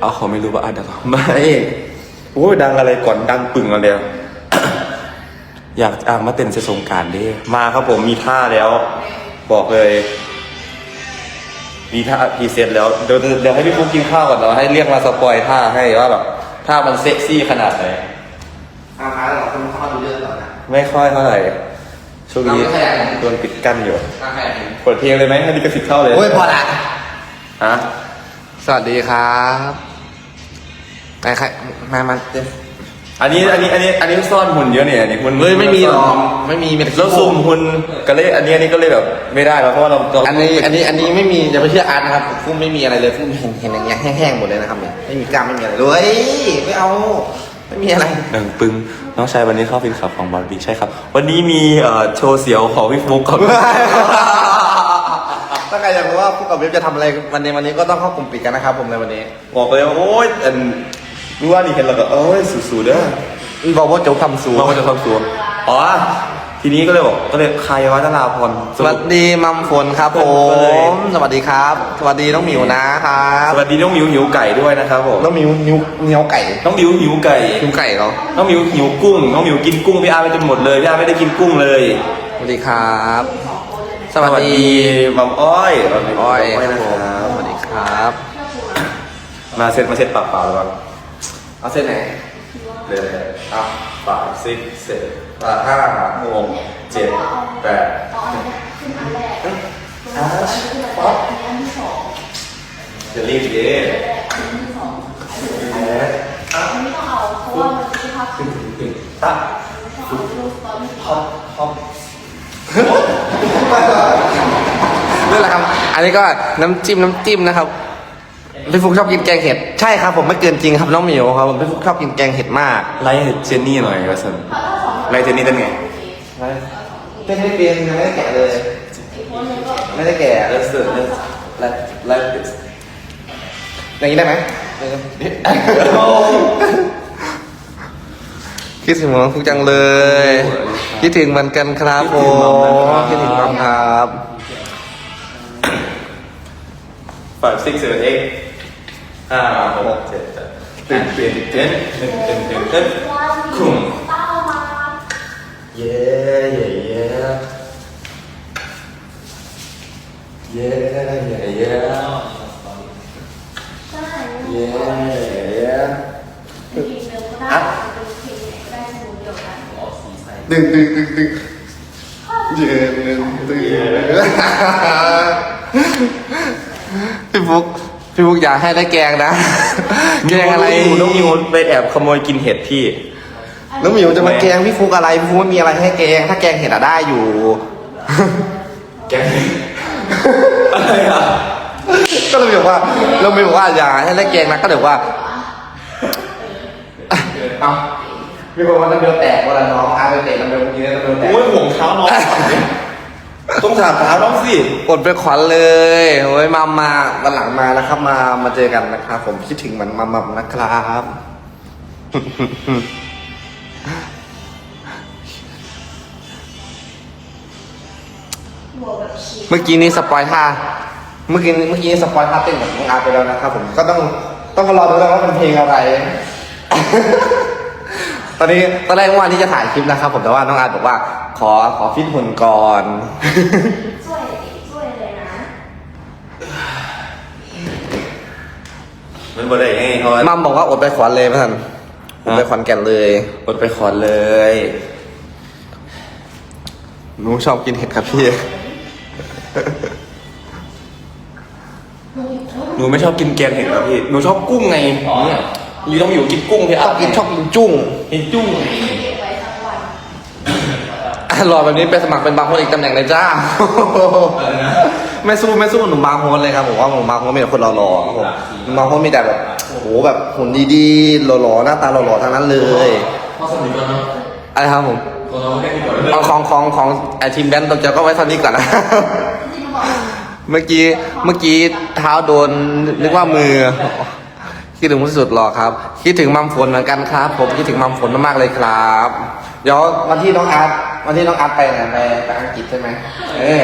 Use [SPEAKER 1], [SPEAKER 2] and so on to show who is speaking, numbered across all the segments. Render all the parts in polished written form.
[SPEAKER 1] เอาเขาไม่รู้ว่าอาดังไม่โอ้ยดังอะไรก่อนดังปึ่งอะไรอยากมาเต้นเซสงการดิมาครับผมมีท่าแล้ว บอกเลยมีท่าพรีเซนต์แล้วเดี๋ยวให้พี่ฟุ๊กกินข้าวก่อนเนาะให้เรียกมาสปอยท่าให้ว่าแบบท่ามันเซ็กซี่ขนาดไหน
[SPEAKER 2] อาหารเราคุณเข้ามาดูเรื่องก่อนนะ
[SPEAKER 1] ไม่ค่อยเท่าไหร่ช่วงนี้โดนปิดกั้นอยู่เปิดเพลงเลยไหมให้ดิกระสิบเข้าเลย
[SPEAKER 2] โอ้ยพอละ
[SPEAKER 1] ฮะ
[SPEAKER 2] สวัสดีครับไหนใครมา
[SPEAKER 1] อันนี้ซ่อนหุ่นเยอะเนี่ยนี่หุ่น
[SPEAKER 2] ไม่มีหรอกไม่มี
[SPEAKER 1] แล้วซูมหุ่นก็เลยอันนี้ก็เลยแบบไม่ได้แล้วเพราะว่าเรา
[SPEAKER 2] อันนี้ไม่มีอย่าไปเชื่ออาร์ตนะครับฟุ้งไม่มีอะไรเลยฟุ้งเห็นอย่างเงี้ยแห้งๆหมดเลยนะครับเนี่ยไม่มีกล้ามไม่มีอะไรเลยไม่เอาไม่มีอะไร
[SPEAKER 1] หนึ่งปึ้งน้องชายวันนี้เข้าฟินขับของบอลบีใช่ครับวันนี้มีโชว์เสียวของพี่ฟุ๊กครับ
[SPEAKER 2] ถ้าใครอยากรู้ว่าฟุ๊กกับเว็บจะทำอะไรวันนี้ก็ต้องเข้ากลุ่มปิดกันนะครับผมในวันนี้
[SPEAKER 1] บอกเลยว่าโอ้ยรู้ว่านี่เห็นแล้วก็โอ้ยสูๆเด้อ
[SPEAKER 2] บอกว่าจะทำสูง
[SPEAKER 1] บอกว่าจะทำสูงอ๋อทีนี้ก็เลยใครวะนราพร
[SPEAKER 2] สวัสดีมัมฝนครับผมสวัสดีครับสวัสดีน้องหมิวนะครับ
[SPEAKER 1] สวัสดีน้องหมิวหิวไก่ด้วยนะครับผม
[SPEAKER 2] น้องหมิวเหนียวไก่
[SPEAKER 1] น้องหมิวหิวไก่
[SPEAKER 2] เหรอ
[SPEAKER 1] น้องหมิวหิวกุ้งน้องหมิวกินกุ้งพี่อาร์ไปจนหมดเลยพี่อาร์ไม่ได้กินกุ้งเลย
[SPEAKER 2] สวัสดีครับ
[SPEAKER 1] สวัสดีมัมอ้อย
[SPEAKER 2] นะครับสวัสดีครับ
[SPEAKER 1] มาเซ็ตปากเปล่าหรือเปล่า
[SPEAKER 2] เอาเส้นไหน
[SPEAKER 1] เลยปากซิกเสร็จปาก5 6 7 8จะรีบเย้
[SPEAKER 2] นั่นแหละครับอันนี้ก็น้ำจิ้มนะครับพี่ฟุกชอบกินแกงเห็ดใช่ครับผมไม่เกินจริงครับน้องหมิวครับผมพี่ฟุกชอบกินแกงเห็ดมาก
[SPEAKER 1] ไล่เจนนี่หน่อยก็สิไล่เจนนี่ได้ไง
[SPEAKER 2] เต้นไม่เป็นยังไม่ได้แกะเลยไม่ได้แกะ
[SPEAKER 1] ไล่
[SPEAKER 2] อย่างนี้ได้ไหมคิดถึงน้องฟุกจังเลยคิดถึงเหมือนกันครับผมคิดถึงมัมครับ
[SPEAKER 1] 5 6 7 8 5 6 7 8ตื่นคุ้มเย้
[SPEAKER 2] ดึงเย็นพี่ฟุกอยากให้ได้แกงนะแกงอะไร
[SPEAKER 1] น้องมิวไปแอบขโมยกินเห็ดพี่
[SPEAKER 2] น้องมิวจะมาแกงพี่ฟุกอะไรพี่ฟุกไม่มีอะไรให้แกงถ้าแกงเห็ดอะได้อยู่
[SPEAKER 1] แกงอะไรอ่ะ
[SPEAKER 2] ก็เลยบอกว่าอย่าให้ได้แกงนะก็เลยว่าเอามีคนว่าน้ำเบลแตกว่าน้องอาไปเตะน้ำเบลเมื่อกี้น้ำเบลแตก
[SPEAKER 1] โอ้ยห่วงเท้าน้องต้องถามเท้าน้องสิ
[SPEAKER 2] อดไปขวัญเลยโอ้ยมาวันหลังมานะครับมาเจอกันนะครับผมคิดถึงมันมัมนะครับเมื่อกี้นี้สปอยท่าเมื่อกี้สปอยท่าเต้นของน้องอาร์ไปแล้วนะครับผมก็ต้องรอดูแล้วว่าเป็นเพลงอะไรตอนแรกวันที่จะถ่ายคลิปนะครับผมแต่ว่าน้องอาร์บอกว่าขอฟิตหุ่นก่อน
[SPEAKER 3] ช่วยเลยนะ
[SPEAKER 1] มันบ่ได้ไงเขา
[SPEAKER 2] มัมบอกว่าอดไปขวัญเลยท่านอดไปขวัญแก่นเลย
[SPEAKER 1] อดไปขวัญเลย
[SPEAKER 2] หนูชอบกินเห็ดครับพี่
[SPEAKER 1] หนูไม่ชอบกินแกงเห็ดครับพี่หนูชอบกุ้งไงเนี่ยอยู่ต้องอยู่กินกุ้งพี่
[SPEAKER 2] ชอบกินจุ้งรอแบบนี้ไปสมัครเป็นบางคนอีกตำแหน่งเลยจ้าไม่สู้หนุ่มบางคนเลยครับผมว่าหนุ่มบางคนมีแต่คนหล่อๆครับผมหนุ่มบางคนมีแต่แบบโอ้โหแบบหุ่นดีๆหล่อๆหน้าตาหล่อๆทั้งนั้นเลยอะไรครับผมของไอทีมแดนตัวเจ้าก็ไว้เท่านี้ก่อนนะเมื่อกี้เท้าโดนนึกว่ามือคิดถึงที่สุดหรอครับคิดถึงมัมฝนเหมือนกันครับผมคิดถึงมัมฝนมากๆเลยครับเดี๋ยววันที่น้องอาร์ตไปไหนไปอังกฤษใช่ไหม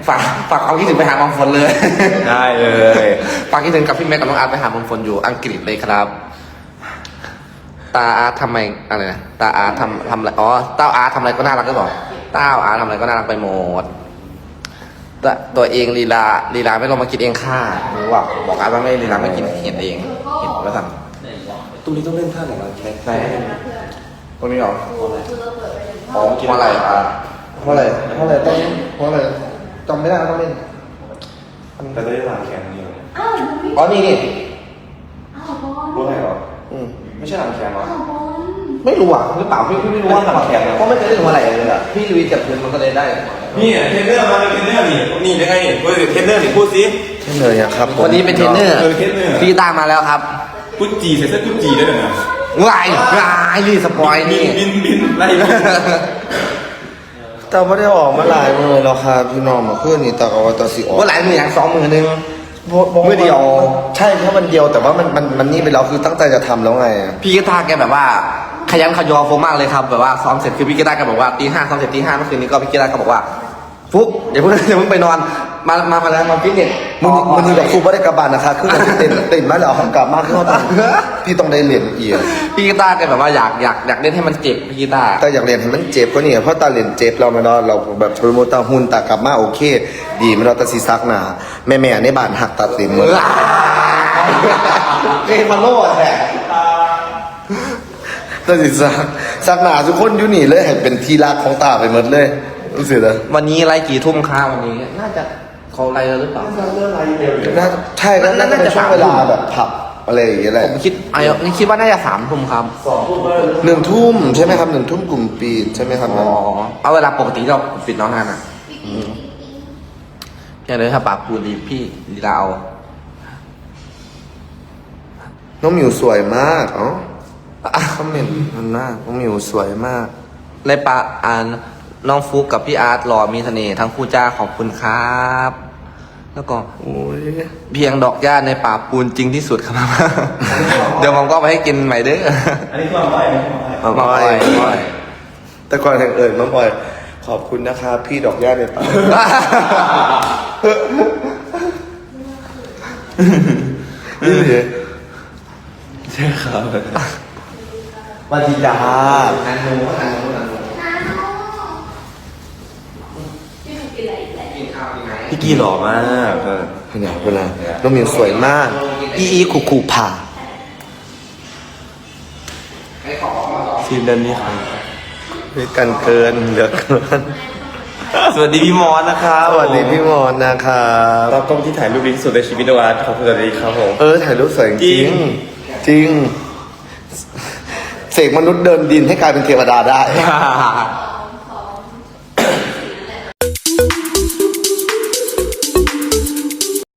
[SPEAKER 2] ฝากความคิดถึงไปหาบางฝนเลย
[SPEAKER 1] ได้เลย
[SPEAKER 2] ฝากคิดถึงกับพี่แม็กกับน้องอาร์ตไปหาบางฝนอยู่อังกฤษเลยครับ ตาอาร์ตทำไมอะไรนะตาอาร์ตทำอะไรอ๋อเต้าอาร์ตทำอะไรก็น่ารักก็บอกเต้าอาร์ตทำอะไรก็น่ารักไปหมดตัวเองลีลาไม่ลงมากินเองค่ะหรือว่าบอกอาร์ตว่าไม่ลีลาไม่กินเห็นเองเห็นแล้วสั่ง
[SPEAKER 1] ตรงนี้ต้องเล่นท่าไหนบ้างแม็ก
[SPEAKER 2] ไหนตรงนี้เหรอ
[SPEAKER 1] อ๋อ
[SPEAKER 2] เพราะอะไรเพราะอะไรจำไม่ได้ต้องเล่น
[SPEAKER 1] แต่ได้หลังแขนนี่เหรอ
[SPEAKER 3] อ้าวมันไม่
[SPEAKER 2] อ๋อนี่
[SPEAKER 3] อ้าวบอล
[SPEAKER 1] รู้ไหมเหรอ
[SPEAKER 2] อืม
[SPEAKER 1] ไม่ใช่หลังแขนเหรอ
[SPEAKER 3] อ้าวบอล
[SPEAKER 2] ไม่รู้อ่ะหรือเปล่าพี่ไม่รู้ว่าทำแข่งเพราะไม่เคยเล่นหัวไหล่เลยอ่ะพี่ลุยจับพื้นมันก็เลยได้
[SPEAKER 1] นี่เทรนเนอร์มาเป็นเทรนเนอร์นี่ยังไงนี่พูดสิเทรนเนอร์นี่พูดสิ
[SPEAKER 2] เทรนเนอร์ครับวันนี้เป็นเทรนเนอร์
[SPEAKER 1] เทรนเนอร์
[SPEAKER 2] พี่ตามมาแล้วครับ
[SPEAKER 1] กุจีใส่เสื้อกุจีได้เลยนะ
[SPEAKER 2] วายนี่สปอยนี่
[SPEAKER 1] บินไล่เลย
[SPEAKER 4] แต่ไม่ได้ออกมาหลายมือแล้วครับพี่น้องมาขึ้นนี่แต่ว่าตัวสีออก
[SPEAKER 2] ว่าหลายมืออย่าง2 มือนึง
[SPEAKER 4] มือเดียวใช่แค่วันเดียวแต่ว่ามันนี่ไปแล้วคือตั้งใจจะทำแล้วไง
[SPEAKER 2] พี่กีตาร์แกแบบว่าขยันขยอโฟมากเลยครับแบบว่าซ้อมเสร็จคือพี่กีตาร์แกบอกว่าตี 5ซ้อมเสร็จตี 5เมื่อคืนนี้ก็พี่กีตาร์ก็บอกว่าฟุ๊กอย่าเพิ่งไปนอนมาแล้วมาฟิตเนส
[SPEAKER 4] มันนี่แบบครูไม่ได้กระบาลนะคะคือมันเต้นมาแล้วกลับมาคือว่าพี่ต้องได้เรียนเอีย
[SPEAKER 2] พี่กีตาร์แกแบบว่าอยากเล่นให้มันเจ็บพี่กีตาร์
[SPEAKER 4] แต่อยากเรียนให้มันเจ็บก็นี่เพราะตาเรียนเจ็บเราไม่รอเราแบบโทรโมตาหุ่นตากลับมาโอเค ดีไม่รอตาซีซักหนาแม่ในบ้านหักตัดเต็มหมด
[SPEAKER 2] เกมมาโล่แหละ
[SPEAKER 4] ตาซีซักหนาทุกคนอยู่นี่เลยเห็นเป็นที่รักของตาไปหมดเลยรู้สึกเหรอ
[SPEAKER 2] วันนี้ไล่กี่ทุ่มคะวันนี้น่าจะเขาไล่แล้วหรือเปล่า
[SPEAKER 4] น่าใช่แล้วน่าจะเป็นช่วงเวลาแบบผับอะไรอย่างเงี้ยแหละ
[SPEAKER 2] ผมคิดว่าน่าจะ3 ทุ่มครับ
[SPEAKER 4] 1 ทุ่มใช่ไหมครับ1 ทุ่มกลุ่มปิดใช่ไหมครับ
[SPEAKER 2] อ๋อเอาเวลาปกติเราปิดน้องนานอ่ะแค่เลยถ้าปากปูดีพี่ลีลาเอา
[SPEAKER 4] น้องหมิวสวยมากอ๋อคอมเมนต์มันมากน้องหมิวสวยมาก
[SPEAKER 2] ในปะน้องฟุกกับพี่อาร์ตหล่อมีเสน่ห์ทั้งคู่จ้าขอบคุณครับ แล้วก็
[SPEAKER 4] โอ้ย
[SPEAKER 2] เพียงดอกหญ้าในป่าปูนจริงที่สุดครับ เดี๋ยวผมก็ไปให้กินใหม่เด้อ
[SPEAKER 1] อันนี้คือมาไหว้
[SPEAKER 2] มาบ่อย
[SPEAKER 4] แต่ก่อนแห่งเอ่ยมาบ่อยขอบคุณนะครับพี่ดอกย่าในป่านี่เลย
[SPEAKER 1] ใช่ครับ
[SPEAKER 4] มาดีดา
[SPEAKER 2] อันนู้น
[SPEAKER 3] น้าวพี่ถูกกินอะไรอีกแล้ว
[SPEAKER 2] กินข้าวดีไหม
[SPEAKER 1] พี่กีหล่อมาก
[SPEAKER 4] ขนาดเวลาน้องหมิวสวยมากอีคูผ่า
[SPEAKER 2] ให้ขอมาสอง
[SPEAKER 1] ทีมเดินนี้ครับ
[SPEAKER 4] ด้วยกันเกินเหลือเกิน
[SPEAKER 1] สวัสดีพี่มอสนะครับ
[SPEAKER 4] สวัสดีพี่มอนนะครับ
[SPEAKER 1] ตากล้องที่ถ่ายรูปดีที่สุดในชีวิตนะวัดขอบคุณสวัสดีครับผม
[SPEAKER 4] ถ่ายรูปสวยจ
[SPEAKER 1] จริ
[SPEAKER 4] ริง
[SPEAKER 1] ง
[SPEAKER 4] จริงเสกมนุษย์เดินดินให้กลายเป็นเทวดาได้
[SPEAKER 2] เ